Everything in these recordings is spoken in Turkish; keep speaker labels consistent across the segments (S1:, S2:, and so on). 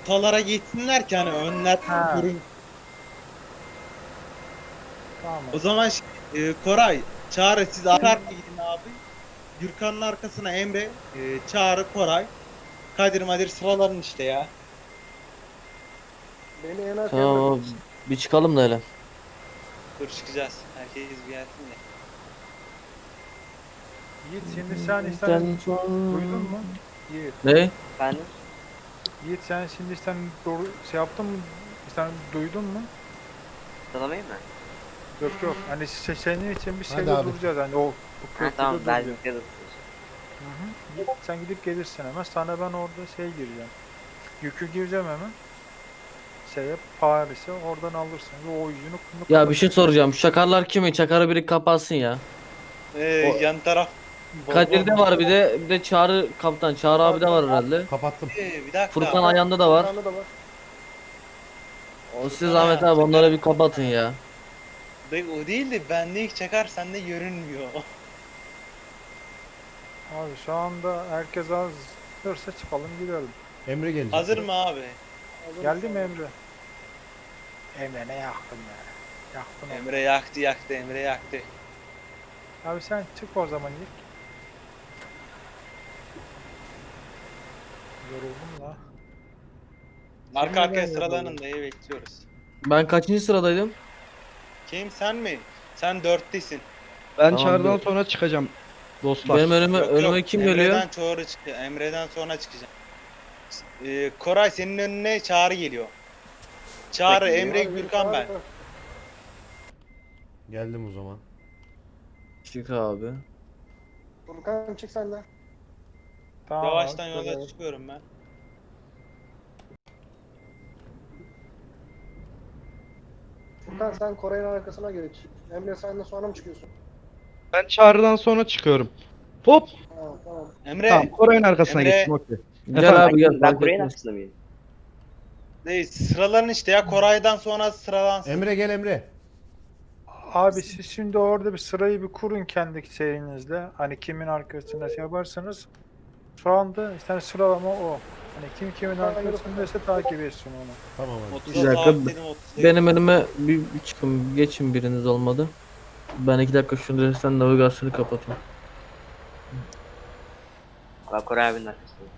S1: ortalara geçsinler ki hani önler
S2: Ha,
S1: görün.
S2: tamam.
S1: O zaman Koray, Çağrı siz arka arkaya gidin abi. Gürkan'ın arkasına Emre, Çağrı, Koray, Kadir Madir sıraların işte ya.
S3: Beni en arkaya
S4: Tamam
S3: bırakın.
S4: abi. Bir çıkalım da hele.
S1: Dur çıkacağız. Herkes bir gelsin de.
S2: Yiğit şimdi sen işte
S4: Bizden
S2: duydun
S4: sonra-
S2: mu? Yiğit.
S4: Ne?
S5: Efendim?
S2: Yiğit sen şimdi işte doğru şey yaptın mı? Sen duydun mu?
S5: Sıralamayı mı?
S2: Yok yok. Hani senin için bir
S3: Hadi
S2: şeyde
S3: abi.
S2: duracağız. Hani o
S5: Ha
S2: köprüde
S5: tamam ben
S2: duracağız.
S5: de
S2: Hı hı. Yiğit, sen gidip gelirsin hemen. Sana ben orada şey gireceğim. Yükü gireceğim hemen. Paris'e oradan alırsın. Ve o yüzünü
S4: Ya bir şey soracağım. Şu çakarlar kimi? Çakarı biri kapatsın ya. O
S1: Yan taraf
S4: Kadir'de var bir de Çağrı kaptan. Çağrı abi de var herhalde.
S3: Kapattım.
S1: Bir dakika.
S4: Furkan ayağında da var.
S3: Furkan'da da var.
S4: O siz Ahmet abi onları bir kapatın ya.
S1: O değil de bende ilk çakar sende görünmüyor.
S2: Abi şu anda herkes hazırsa çıkalım gidelim.
S3: Emre gelecek.
S1: Hazır mı abi?
S2: Geldi mi Emre? Emre ne yaktın ya? Yaktın onu.
S1: Emre yaktı Emre yaktı.
S2: Abi sen çık o zaman ilk. Yoruldum la.
S1: Arka arkaya
S2: Şimdiden
S1: sıralanın
S2: yoruldum.
S1: dayı bekliyoruz.
S4: Ben kaçıncı sıradaydım?
S1: Kim sen mi? Sen dörttesin.
S6: Ben
S4: Tamam,
S6: çağrıdan
S4: dur.
S6: sonra çıkacağım dostlar.
S4: Benim önüme,
S1: Yok,
S4: önüme
S1: yok.
S4: kim geliyor?
S1: Emre'den sonra çıkacağım. Koray senin önüne Çağrı geliyor. Çağrı,
S5: Bekliyor.
S1: Emre, Gürkan ben.
S3: Geldim o zaman.
S4: Çık abi.
S3: Furkan çık sen de.
S2: Tamam
S1: Yavaştan
S2: abi,
S1: yola
S2: şöyle.
S1: çıkıyorum ben.
S3: Furkan sen Koray'ın arkasına geç. Emre sen de sonra mı çıkıyorsun?
S6: Ben çağrıdan sonra çıkıyorum. Hop!
S3: Tamam tamam.
S1: Emre,
S6: Tamam, Koray'ın arkasına
S1: Emre.
S6: geçtim okey.
S4: Gel
S6: Efendim?
S4: abi gel.
S5: Ben
S4: fark
S5: Kore'nin
S4: etmez.
S5: arkasında mıyım?
S1: sıraların işte ya Koray'dan sonra sıralansın.
S3: Emre gel Emre.
S2: Abi siz şimdi orada bir sırayı bir kurun kendi şeyinizle. Hani kimin arkasında şey yaparsanız. Şu anda işte sıralama o. Hani kim kimin arkasındaysa takip etsin onu.
S3: Tamam hadi.
S1: 30'a
S4: Bir dakika,
S1: sabitledim 30'a.
S4: Benim önüme bir çıkın. Geçin biriniz olmadı. Ben 2 dakika şunu resten navigasyonu kapatayım.
S5: Ben Kore abinin arkasındayım.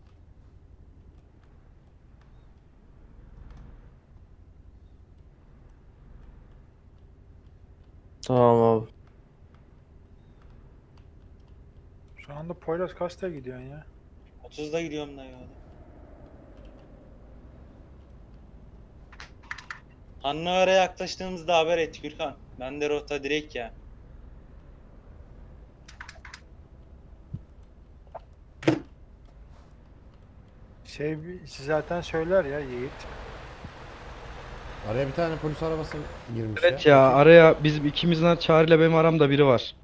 S4: Tamam abi.
S2: Şu anda Poyraz kaçta gidiyorsun ya?
S1: 30'da gidiyorum dayı. Hannover'e yaklaştığımızda haber et Gürkan. Ben de rota direkt ya.
S2: Zaten söyler ya Yiğit.
S3: Araya bir tane polis arabası girmiş
S6: Evet ya araya bizim ikimizden çağrıyla benim aramda biri var.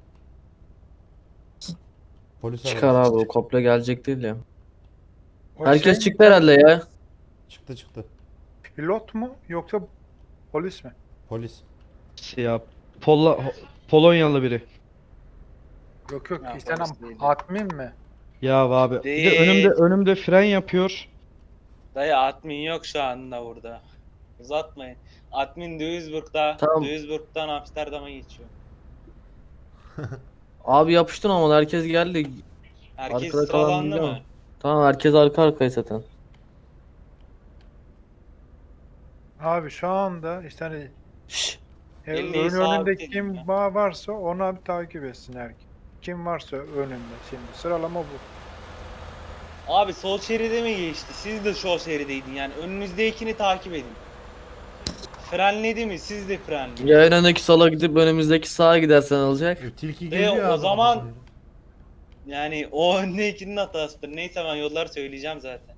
S3: Polis
S4: Çıkar
S3: arabası.
S4: abi o komple gelecek değil ya.
S2: O
S4: Herkes
S2: şey
S4: çıktı herhalde ya.
S3: Çıktı.
S2: pilot mu yoksa polis mi?
S3: Polis.
S6: Ya Polonyalı biri.
S2: Yok yok
S1: Ya,
S2: işte
S1: polis değil.
S2: admin mi?
S6: Ya abi bir de
S1: Değil.
S6: önümde fren yapıyor.
S1: Dayı admin yok şu anda burada. Uzatmayın. Admin Duisburg'da.
S4: Tamam.
S1: Duisburg'dan Amsterdam'a geçiyor.
S4: Abi yapıştın ama herkes geldi.
S1: Herkes
S4: Arkada kalan
S1: sıralandı
S4: biliyor
S1: mı?
S4: mu? Tamam herkes arka arkaya zaten.
S2: Abi şu anda işte hani
S4: Şşş.
S1: Elini
S2: önünde
S1: sabitledim
S2: kim
S1: ya.
S2: varsa onu abi takip etsin herkes. Kim varsa önünde şimdi sıralama bu.
S1: Abi sol şeride mi geçti? Siz de sol şerideydin yani önünüzdekini takip edin. Frenledi mi? Siz de frenleyin.
S4: Ya önündeki sola gidip önümüzdeki sağa gidersen olacak.
S3: Tilki
S1: Ve
S3: geziyor
S1: o
S3: abi.
S1: zaman-
S3: kafasını.
S1: Yani o öndekinin hatasıdır. Neyse ben yolları söyleyeceğim zaten.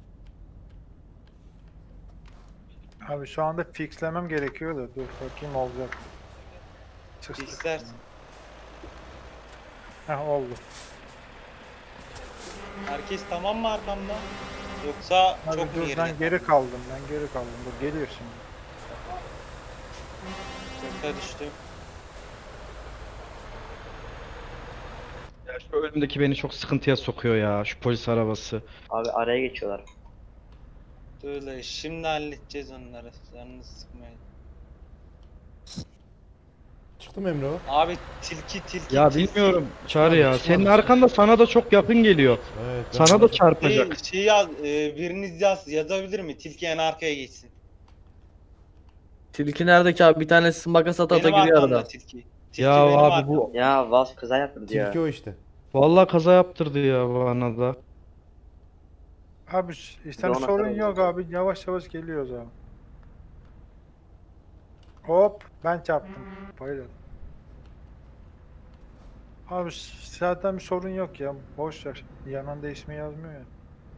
S2: Abi şu anda fixlemem gerekiyor da dur bakayım olacak. Çıksın.
S1: İstersin.
S2: Heh oldu.
S1: Herkes tamam mı arkamda? Yoksa
S2: Abi
S1: çok mu
S2: dur
S1: geride?
S2: ben geri kaldım dur geliyor şimdi.
S1: Yoksa düştüm.
S6: Ya şu önümdeki beni çok sıkıntıya sokuyor ya şu polis arabası.
S5: Abi araya geçiyorlar.
S1: Öyle şimdi halledeceğiz onları. Canınızı sıkmayın.
S7: Çıktı mı Emre o?
S1: Abi tilki.
S6: Ya
S1: tilki.
S6: bilmiyorum Çağrı ya.
S7: Çıkmadı,
S6: Senin
S7: çıkmadı.
S6: arkanda sana da çok yakın geliyor.
S7: Evet.
S6: Sana da çarpacak.
S1: Şey yaz, biriniz yazabilir mi? Tilki en arkaya geçsin.
S4: Tilki nerede ki abi? Bir tanesi makas ata ata
S1: Benim
S4: giriyor
S1: arkamda
S4: arada.
S1: tilki. Tilki
S6: Ya
S1: benim
S6: abi
S1: arkamda.
S6: bu
S5: Ya Vaz kaza yaptırdı ya.
S7: Tilki o işte.
S6: vallahi kaza yaptırdı ya bana da.
S2: Abi işte
S5: ona
S2: sorun
S5: kadar
S2: yok
S5: olacak.
S2: abi. Yavaş yavaş geliyoruz abi. Hop ben çarptım. Bayıldım. Abi zaten bir sorun yok ya. Boş ver. Yanında ismi yazmıyor ya.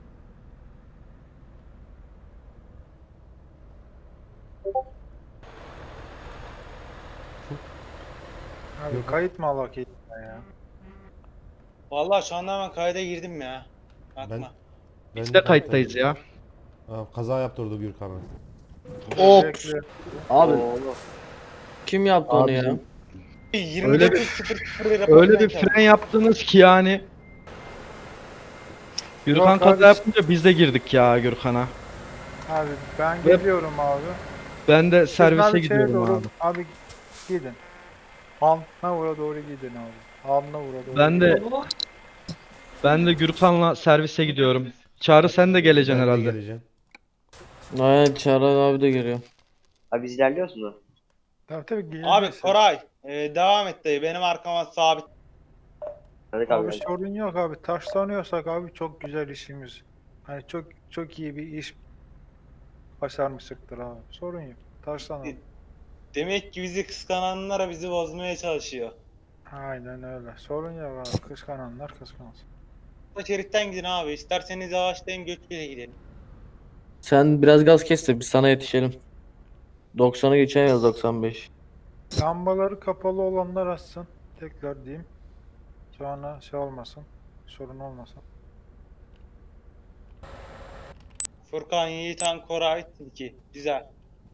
S2: Abi
S7: Yok.
S2: kayıt mı alak ya?
S1: Vallahi şu anda hemen kayda girdim ya. Bakma.
S6: Biz de kayıttayız ya.
S7: Aa, kaza yaptırdı Gürkan'a.
S4: Hop.
S2: Bekle.
S4: Abi
S5: Oo.
S4: kim yaptı onu ya?
S6: Abicim,
S1: 29.00 lira
S6: öyle bir
S1: patlayacak.
S6: fren yaptınız ki yani. Gürkan
S2: Yok
S6: kaza
S2: abi.
S6: yapınca biz de girdik ya Gürkan'a.
S2: Abi ben
S6: Ve-
S2: geliyorum abi.
S6: Ben de
S2: Siz
S6: servise
S2: abi şeye
S6: gidiyorum
S2: doğru,
S6: abi.
S2: Abi gidin. Alnavur'a doğru gidin abi. Alnavur'a doğru
S6: Ben de ben de Gürkan'la servise gidiyorum. Çağrı sen de geleceksin
S7: Ben de
S6: herhalde.
S7: geleceğim.
S4: Aynen Çağrı abi de geliyor.
S5: Abi biz ilerliyoruz mu?
S2: Tabii gelin.
S1: Abi Koray devam et dayı. Benim arkama sabit.
S5: Hadi
S2: Abi
S5: abi.
S2: sorun yok abi. Taşlanıyorsak abi çok güzel işimiz. Hani çok çok iyi bir iş başarmıştık abi. Sorun yok. Taşlanalım.
S1: Demek ki bizi kıskananlara bizi bozmaya çalışıyor.
S2: Aynen öyle. Sorun yok abi. Kıskananlar kıskansın.
S1: Bu şeritten gidin abi. İsterseniz yavaşlayın Gökçe'ye gidelim.
S4: Sen biraz gaz kes de biz sana yetişelim. 90'ı geçemiyoruz 95.
S2: Lambaları kapalı olanlar açsın. Tekrar diyeyim. Sonra şey olmasın. Sorun olmasın.
S1: Furkan, Yiğitan, Koray, Tilki. Güzel.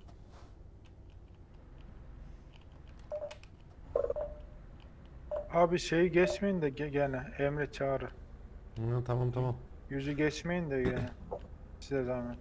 S2: Abi şeyi geçmeyin de gene Emre Çağrı.
S7: Hı, tamam tamam.
S2: Yüzü geçmeyin de gene. Size zahmet.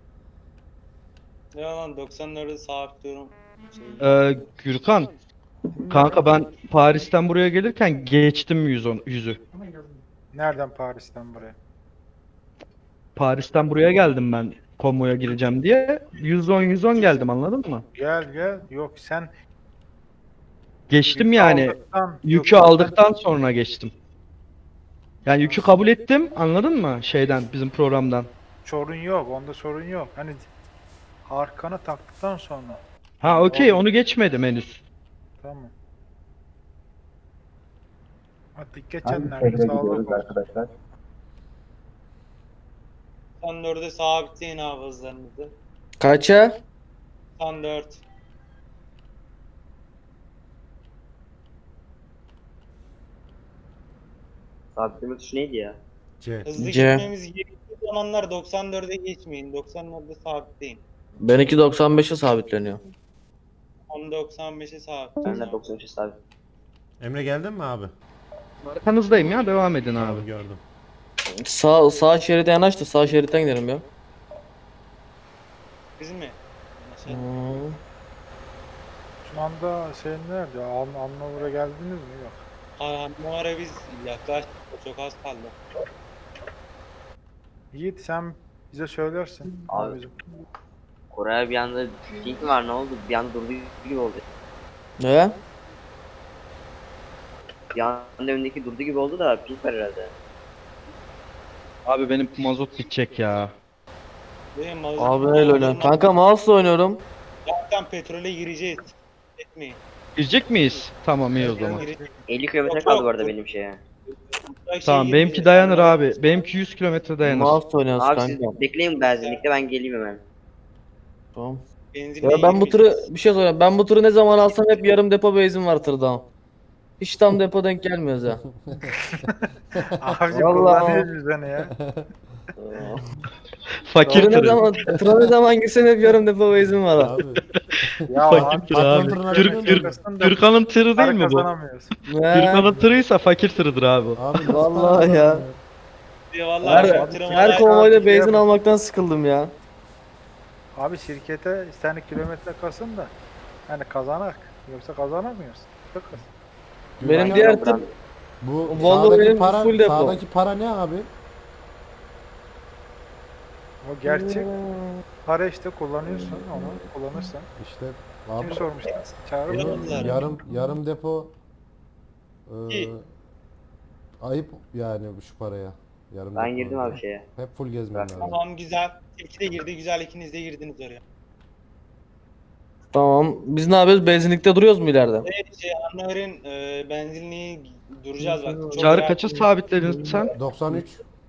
S1: Ne lan 94'ü sabitliyorum.
S6: Gürkan kanka ben Paris'ten buraya gelirken geçtim 100'ü.
S2: Nereden Paris'ten buraya?
S6: Paris'ten buraya geldim ben konvoya gireceğim diye. 110 geldim anladın mı?
S2: Gel. Yok sen
S6: Geçtim
S2: yükü
S6: yani.
S2: aldıktan-
S6: Yükü
S2: yok,
S6: aldıktan sonra geçtim. Yani yükü kabul ettim anladın mı? Şeyden bizim programdan.
S2: sorun yok. Onda sorun yok. Hani arkana taktıktan sonra.
S6: Ha okey onu geçmedim henüz.
S2: Tamam. Hadi geçenlerde sağlık olsun.
S1: 94'e sabitleyin abi hızlarınızı.
S4: Kaça?
S1: 94.
S5: Sabitleme tuşu neydi ya?
S7: C.
S1: Hızlı
S4: C.
S1: gitmemiz gerektiği zamanlar 94'e geçmeyin. 94'e sabitleyin.
S4: Benimki 95'e sabitleniyor.
S1: 10.95'e
S5: Ben
S1: sabitleyin.
S5: de 93 sabit.
S7: Emre geldin mi abi?
S6: Arkanızdayım ya devam edin abi.
S7: Tamam gördüm.
S4: Sağ şeride yanaş da sağ şeritten gidelim ya.
S1: Biz mi? Mesela
S4: Hmm.
S2: Şu anda şey nerede? Anlamura geldiniz mi? Yok.
S1: Numara biz yaklaştık. Çok az kaldı.
S2: Yiğit sen bize söylersin.
S5: Abi.
S2: Bizim.
S5: Koray bir anda ping mi var ne oldu? Bir anda durdu gibi oldu.
S4: Ne?
S5: Bir anda önündeki durdu gibi oldu da ping var herhalde.
S6: Abi benim mazot bitecek ya.
S1: Benim mazot-
S4: Abi neyle oynuyorsun? Kanka mouse'la oynuyorum.
S1: Zaten petrole gireceğiz. Etmeyin.
S6: Girecek miyiz? Tamam iyi o zaman.
S1: Gireceğiz.
S5: 50 kilometre
S1: Yok,
S5: kaldı
S1: yok.
S5: bu arada benim şeye.
S6: Tamam benimki dayanır abi. Benimki 100 kilometre dayanır.
S4: Mouse'la oynuyoruz
S5: Abi siz
S4: kanka.
S5: bekleyin benzinlikte ben geleyim hemen.
S4: Tamam.
S1: Benzinle
S4: Ya ben bu turu
S1: girmeyeceğiz.
S4: bir şey söyleyeyim. Ben bu turu ne zaman alsam hep yarım depo benzin var tırda. Hiç tam depo denk gelmiyoruz ya.
S2: Abi
S4: Vallahi.
S2: kullanıyoruz seni ya.
S6: Fakir
S4: Tıra ne
S6: tırı.
S4: zaman, tıra ne zaman girsen hep yarım depo benzin var.
S7: Abi.
S2: Ya
S6: Fakir tırı abi.
S7: patron
S6: Gürkan'ın tırı değil mi bu?
S2: Kazanamıyoruz.
S6: Gürkan'ın tırıysa fakir tırıdır abi.
S7: Abi nasıl
S4: Vallahi
S7: para
S4: ya.
S7: kazandın
S1: Vallahi
S4: Her,
S1: şu tırım
S4: her
S1: olay-
S4: konvoyda
S2: Abi,
S4: benzin
S2: ya.
S4: almaktan sıkıldım ya.
S2: Abi şirkete isteyen kilometre kasın da yani kazanak. Yoksa kazanamıyoruz. Çok az.
S4: Benim
S5: Aynen
S4: diğer
S5: Burak.
S4: tır
S7: Bu
S4: Volvo
S7: sağdaki
S4: benim
S7: para,
S4: full depo.
S7: sağdaki para ne abi?
S2: O gerçek. Para işte kullanıyorsun onu. Kullanırsan.
S7: İşte
S2: Kim
S7: abi
S2: sormuş lan? Çağrı
S1: Yok.
S2: mı?
S7: bunun yarım depo
S1: İyi.
S7: ayıp yani şu paraya. Yarım
S5: Ben
S7: depo
S5: girdim
S7: diye.
S5: abi şeye.
S7: Hep full gezmen
S5: Bırak.
S7: lazım.
S1: Tamam güzel. Tilki de girdi güzel, ikiniz de girdiniz oraya.
S4: Tamam. Biz ne yapıyoruz? Benzinlikte duruyoruz mu ileride?
S1: Evet Anlaver'in benzinliği duracağız bak. Çok
S6: Çağrı
S1: rahat-
S6: kaça sabitledin sen?
S7: 93.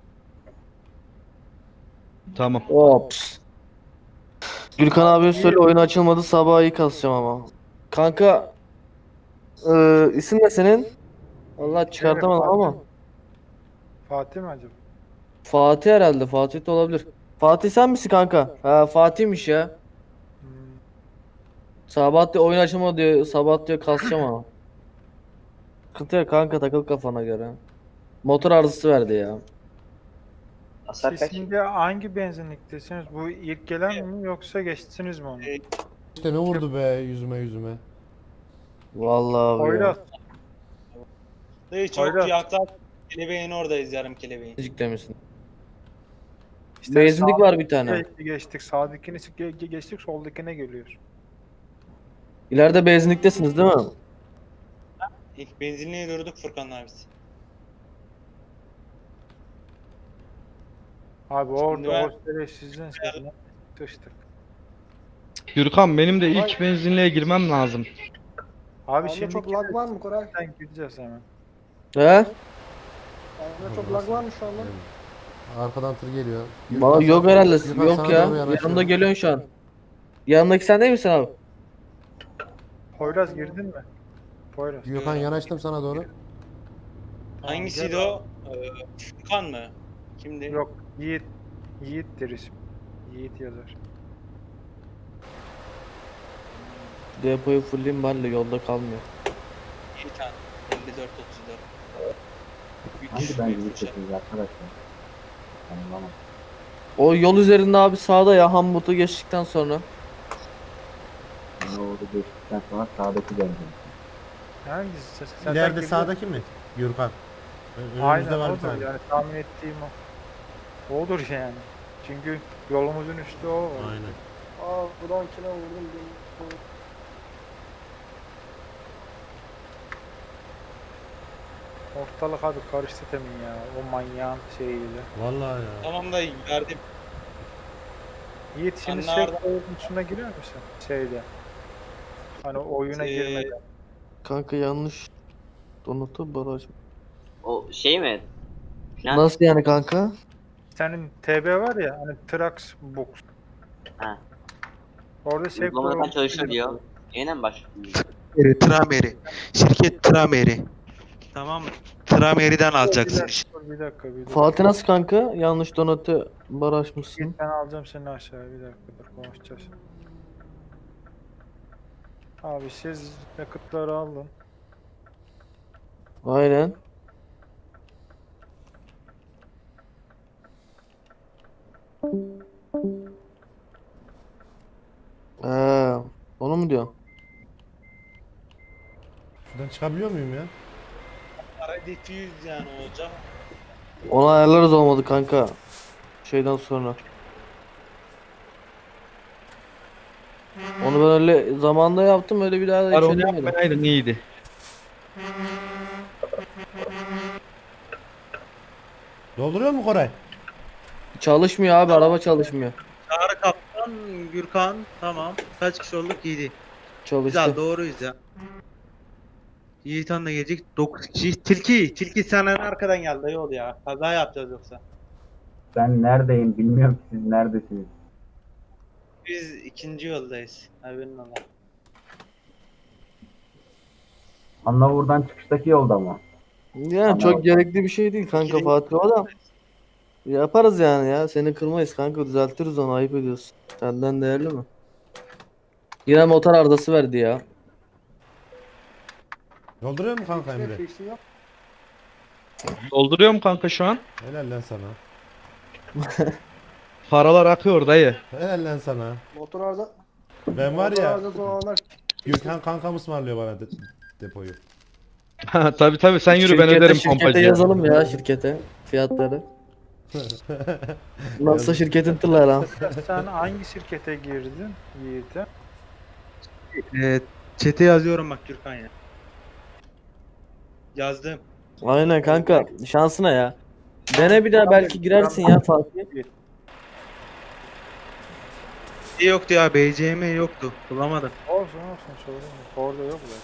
S6: Tamam.
S4: Ops. Gürkan abi söyle oyun açılmadı sabah iyi kasacağım ama. Kanka isim ne senin? Allah çıkartamadım ama.
S2: Fatih mi acaba?
S4: Fatih herhalde. Fatih de olabilir. Fatih sen misin kanka? Ha Fatih'miş ya.
S2: Hmm.
S4: Sabah diyor oyun açılmadı diyor. Sabah diyor kasacağım ama. Sıkıntı yok kanka takıl kafana göre. Motor arızası verdi ya.
S5: Hasar
S2: Siz
S5: kaç?
S2: şimdi hangi benzinliktesiniz? Bu ilk gelen mi yoksa geçtiniz mi onu?
S1: E,
S7: İşte ne vurdu be yüzüme.
S4: Vallahi abi ya.
S2: Poyraz.
S1: Dayı çok
S2: Hayrat.
S1: yaklaş. Kelebeğin oradayız yarım kelebeğin.
S4: Azıcık demişsin.
S2: İşte
S4: Benzinlik var bir tane.
S2: geçtik. Sağdakini geçtik. Soldakine geliyor.
S4: İleride benzinliktesiniz değil mi?
S1: İlk benzinliğe durduk Furkan'la biz.
S2: Abi
S1: Şimdi
S2: orada
S1: ben-
S2: o şerefsizden sonra sıçtık.
S6: Gürkan benim de ilk benzinliğe girmem lazım.
S2: Abi
S3: Bende
S2: şimdi
S3: çok lag var mı Koray?
S2: gideceğiz hemen.
S4: He?
S3: Bende çok lag var mı şu anda?
S7: Arkadan tır geliyor.
S4: Valla
S7: Gürkan
S4: yok
S7: sana-
S4: herhalde.
S7: Gürkan
S4: Yok
S7: sana
S4: ya.
S7: doğru yanaşıyor.
S4: Yanımda geliyorsun şu an. Yanındaki sen değil misin abi?
S2: Poyraz girdin mi? Poyraz.
S7: Gürkan yanaştım sana doğru.
S2: Tamam,
S1: Hangisiydi
S2: gel
S1: o? Furkan mı? Kimdi?
S2: abi. Yok Yiğit. Yiğit'tir ismi. Yiğit yazar.
S4: Depoyu fullleyeyim ben de yolda kalmıyor.
S1: İyi tane. 54 34.
S8: Hangi benzinliktesiniz arkadaşlar? Anlamadım.
S4: O yol üzerinde abi sağda ya Hamburg'u geçtikten sonra.
S8: Yani orada geçtikten sonra sağdaki benzin.
S2: Hangisi? Sen
S7: İleride
S2: girdin.
S7: sağdaki mi? Gürkan. Önümüzde
S2: Aynen
S7: var bir
S2: odur
S7: tane.
S2: yani tahmin ettiğim o. Odur yani. Çünkü yolumuzun üstü o var.
S7: Aynen.
S3: Aa buradan kime vurdum?
S2: Ortalık abi karıştı temin ya. O manyağın şeyiyle.
S7: Vallahi ya.
S1: Tamam da verdim.
S2: Yiğit şimdi
S1: Anne
S2: şey
S1: Arda-
S2: oyunusuna girer misin? Şeyde. Hani oyuna girmeden.
S4: Kanka yanlış. Donatı baraj.
S5: O şey mi? Falan.
S4: Nasıl yani kanka?
S2: Senin TB var ya hani Trax Box.
S5: Ha.
S2: Orada şey
S5: Uygulamadan çalışıyor diyor. Yine mi başlıyor?
S1: Trameri. Şirket Trameri. Tamam mı? Trameri'den alacaksın işte.
S2: Bir dakika bir dakika.
S4: Fatih nasıl kanka? Yanlış donatı barajmışsın.
S2: Git ben alacağım seni aşağıya bir dakika dur konuşacağız. Abi siz yakıtları alın.
S4: Aynen. Onu mu diyorsun?
S7: Şuradan çıkabiliyor muyum ya?
S1: Para diffuse yani olacak.
S4: Onu ayarlarız olmadı kanka. Şeyden sonra. Onu ben öyle zamanda yaptım öyle bir daha da hiç
S6: Onu
S4: edemedim.
S6: yapmayaydın iyiydi.
S7: Dolduruyor mu Koray?
S4: Çalışmıyor abi araba çalışmıyor.
S1: Çağrı Kaptan, Gürkan. Tamam. Kaç kişi olduk? 7.
S4: Çalıştı.
S1: Güzel doğruyuz ya. Yiğitan da gelecek. 9 kişi. Tilki sen en arkadan geldi dayı ol ya. Kaza yapacağız yoksa.
S8: Ben neredeyim bilmiyorum ki siz neredesiniz.
S1: Biz ikinci yoldayız. Haberin ola.
S8: Annavur'dan çıkıştaki yolda mı?
S4: Yani çok gerekli bir şey değil kanka
S1: İkili-
S4: Fatih o da. Yaparız yani ya. Seni kırmayız kanka düzeltiriz onu ayıp ediyorsun. Senden değerli mi? Yine motor arızası verdi ya.
S7: Dolduruyor mu kanka Emre?
S3: Fişi yok.
S6: Dolduruyorum kanka şu an.
S7: Helal lan sana.
S6: Paralar akıyor dayı.
S7: Helal lan sana.
S3: Motor arıza.
S7: Ben var
S3: motor
S7: ya,
S3: arızası olanlar
S7: Gürkan kankam ısmarlıyor bana depoyu.
S6: Tabi tabi sen yürü ben öderim
S4: Şirkete
S6: pompacıya.
S4: yazalım ya şirkete fiyatları. Nasıl şirketin tırları ha?
S2: Sen hangi şirkete girdin Yiğit'e?
S1: Çete yazıyorum bak Gürkan ya. Yazdım.
S4: Aynen kanka şansına ya. Dene bir daha belki girersin ya Fatih.
S1: Yoktu ya, BCM yoktu. Bulamadım.
S2: Olsun sorun yok. Orada yok da.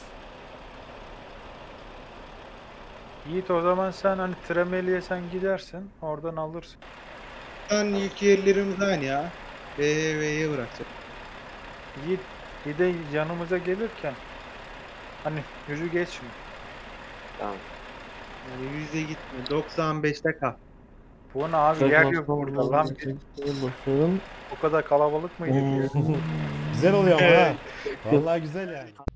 S2: Yiğit o zaman sen hani Tremeli'ye sen gidersin. Oradan alırsın.
S1: Ben ilk yerlerimiz aynı ya. B'ye bırakacağım.
S2: Yiğit bir de yanımıza gelirken hani yüzü geçme.
S5: Tamam.
S1: Yani 100'e gitme. 95'te kal.
S2: Bu ne abi yer yok burada lan.
S4: Bakıyorum.
S2: O kadar kalabalık mıydı?
S7: Güzel oluyor ama ha. Vallahi güzel yani.